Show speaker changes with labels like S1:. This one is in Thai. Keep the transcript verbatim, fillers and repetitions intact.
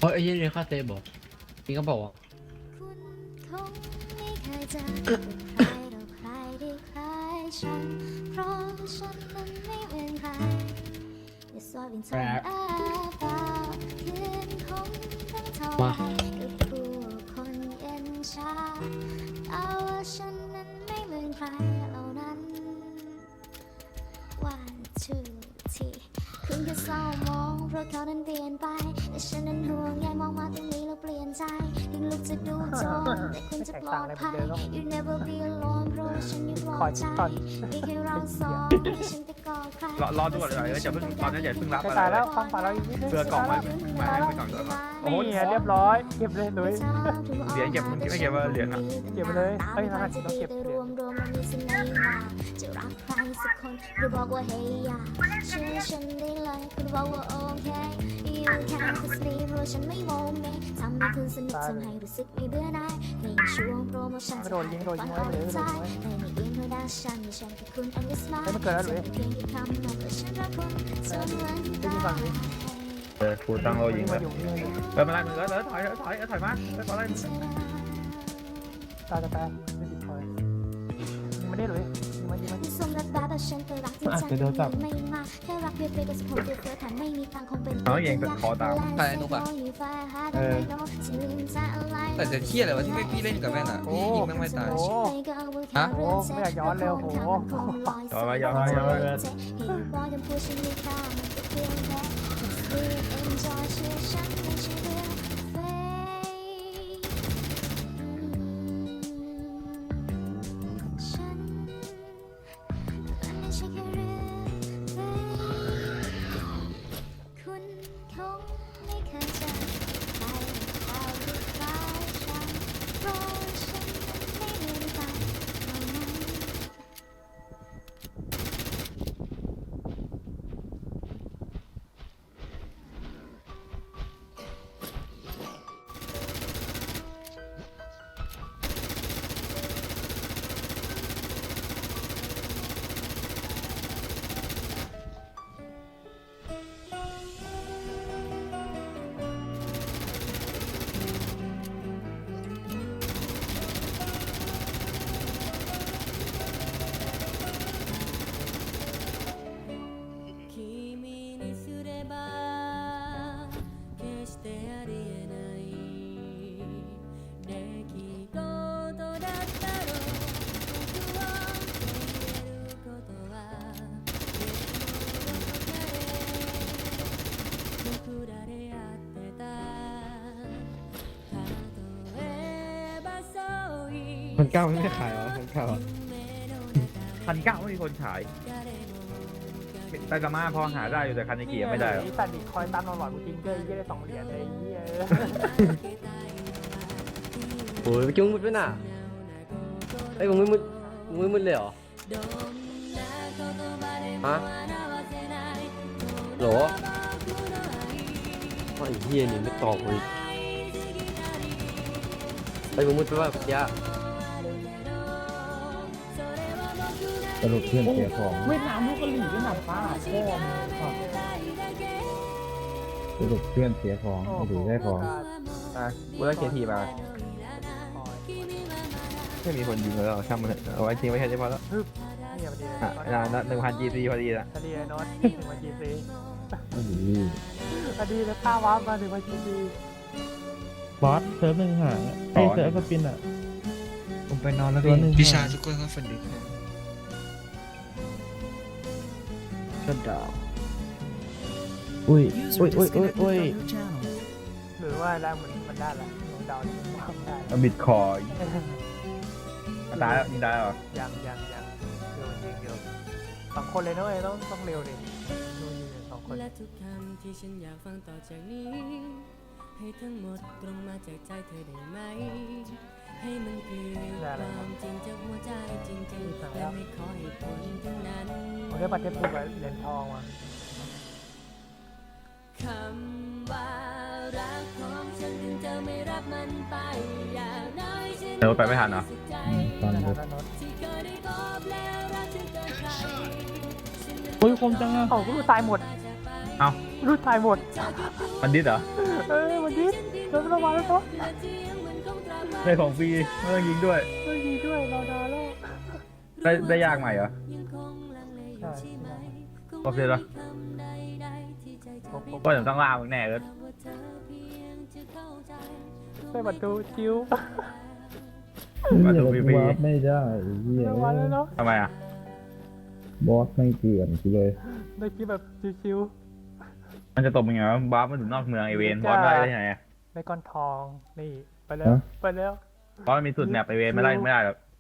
S1: เพราะไอ้ยี่เรียนค่าเซฟบอกพี่ก็บอกว่า
S2: คุณคงไม่เคยเจอใครหรอกใครที่คล้ายฉันเพราะฉันนั้นไม่เหมือนใคร It's what been told about คืนคงต้องเท่าไรกับผู้คนเย็นชาแต่ว่าฉันนั้นไม่เหมือนใครเหล่านั้น One two three คุณก็เศร้ามองเพราะเขานั้นเปลี่ยนไปแต่ฉันนั้นห่วงใยมองมาตรงนี้แล้วเปลี่ยนใจถึงลูกจะดูจนแต่คุณจะปลอดภัย You never be alone เพราะว่าฉันยังปลอดใจมีแค่เราสองที่ฉันจะกอดใคร
S3: รอรอดูก่อนเลยอย่าเพิ่งตอนนี้อย่าเพิ่งรับอะไร
S4: ตายแล้วฟังฝ่ายเราอีกนิดนึง
S3: เสื้อกล่องมามาให้ไปก่อนก่อนโอ้โห
S4: นี่เรียบร้อยเก็บเลยหนุ่ย
S3: เหรียญเก็บมึงไม่เก็บว่าเหรียญอ่ะ
S4: เก็บไปเลยเอ้ยนะครับเราเก็บเหรียญ
S2: จะรักใครสักคนหรือบอกว่า hey อย่าเชื่อฉันได้เลยคุณบอกว่าโอเค You can't sleep เพราะฉันไม่โมเมทำให้คุณสนุกทำให้รู้สึกไม่เบื่อหน่ายในช่วงโปรโมชั่น
S4: ไม่โดนยิงโดนยิงไว้เลยโดนยิงไว้
S2: ในไม่ยิงเพราะดาฉันไม่ใช่แค่คุณ and it's mine
S4: เฮ้ยมันเกิดแล้วหรือ
S2: เพียงแค่คำนั้นแต่ฉันรักคุณจนวันตาย
S3: เออกูตั้งโลยิง
S4: มา
S3: เลย
S4: อยู่นี่อยู่
S3: เออมาไล่มึงเออถอยถอยถอยมาเออถอยไล่มึง
S4: ตายจะแปลไม่ติดคอยยิงมาได้เลยยิงมายิงมา
S2: สมรักแบบแต่ฉันก็รักจริงจังไม่มาแค่รักเพียงเพียงก็สะพกเพื่อถ้าไม่มีตังคงเป็น
S3: น้องเองขอตาม
S5: ใครนุกอะแต่จะเครียดเลยว่าที่พี่เล่นกับแม่งอ่ะพี่ยิงแม่งไม่ตาย
S4: โอ้
S5: ฮะ
S4: โหไม่อยากย้อนเร็วโห
S3: ย้อนมาย้อนมาย้อนมา
S2: คุณคงไม่เคยเจอใครใครที่คล้ายฉันเพราะฉันนั้นไม่เหมือนใครเท่านั้น
S6: 君にすれば決してありえない出来事だったろう僕は言えることは僕らでやってた例えばそうい
S1: พันเก้าไม่ได้ขายหรอพันเก้า
S3: พันเก้าไม่มีคนขายไตกามาพอหาได้อยู่แต่คันนิกิไม่ได้หรอก
S4: ตัดดิคอยตามเราหลอดกูจริงเลยยี่ได้สองเหรียญเลยยี่
S1: โอ้ยไปจุ้งมุดไปน่ะไอ้มึงไม่มุดมึงไม่มุดเลยเหรอฮะโหรอไอ้เฮียนี่ไม่ตอบเลยไอ้มึงมุดไปว่าพี่ยะ
S7: สรุปเพื่อนเสียของ
S4: เวียดนามลูกกะหรี่เวียดนามป้าพ่อมึง
S7: สรุปเพื่อนเสียของไม่ถือได้ของ
S3: อ่ะกูได้เคทีมาไม่มีคนยิงแล้วช่างมันเอาไว้ทิ้งไว้แค่นี้พอแล้ว
S4: นี่พอดีเลย
S3: อ่ะนะหนึ่งพันจีซีพอดีละ
S4: พอดีเลยโน้ตถึงวันจีซี
S7: ไม่ดี
S4: พอดีเลยค่าว้ามาถึงวันจีซี
S7: บอสเซิร์ฟหนึ่งหางไอเซิร์ฟสปินอ่ะ
S1: ผมไปนอนแล้ว
S7: ตัวหนึ่ง
S5: พิชาทุกคนก็ฝันดี
S1: ชัดดาว
S7: อุ้ยอุ้ยอุ้ยอุ้ยอุ้ย
S4: หรือว่าได้มันมันได้ละเดาได้ได้
S3: บิตคอยตายแล้วยิงได้หรอ
S4: ยังยังยังเร็วจริงเร็วสองคนเลยนะเว้ยต้องต้องเร็วดิดูยิงสองคน
S6: และทุกคำที่ฉันอยากฟังต่อจากนี้ ให้ทั้งหมดตรงมาจากใจเธอได้ไหม ให้มันคือความจริงจากหัวใจจริงๆและไม่ขอให้ผลทั้งนั้น
S4: ผมได้บัตรเทปพูดไว้เหรียญทองมา
S6: คำว่ารักของฉันถึงจะไม่รับมันไปอย่างน้อยฉัน
S3: เดี๋ยวไปไม่ทันเหรอ
S7: ตอน
S4: นะ
S7: นี้
S4: นะโน้ต
S6: ที่เคยได้พบแล้วรักเธอเกินใคร
S7: อุ้ยคมจังอ่ะ
S4: โอ้กูดูตายหมด
S6: จากไป
S3: เอา
S4: รูดตายหมด
S3: มันดิสเหรอ
S4: เอ้ยวันนี้โดนระวังแล้วก็
S3: ได้ของฟรีไม่ต้องยิงด้วย
S4: ไม่ดีด้วยรอนานแล้ว
S3: ได้ได้ยากใหม่เหรอ
S4: ใช่
S3: โอเคเหรอ
S4: ผมผม
S3: ก็เดี๋ยวต้องล่ามึงแน่เลย
S4: ไปประตูจิ้ว
S3: มา
S7: เหี้ย
S3: ดู
S7: เรา
S3: ฟรี
S7: วาร์ปไม่ได้ไอ้เหี้ย
S4: ระวังแล้วเนาะ
S3: ทำไมอ่ะ
S7: บอสไม่เกลื่อนกูเลย
S4: ได้คิดแบบชิว
S3: มันจะตบมึงไงวะบ้ามันอยู่นอกเมืองไอเวนบอสไม่ได้ที่ไหนอะ
S4: ๆในก้อนทองนี่ไปแล้ว
S7: ฮะ
S4: ไปแล้ว
S3: บอสมันมีสุดแมปไอเวนไม่ได้ไม่ได้หรอก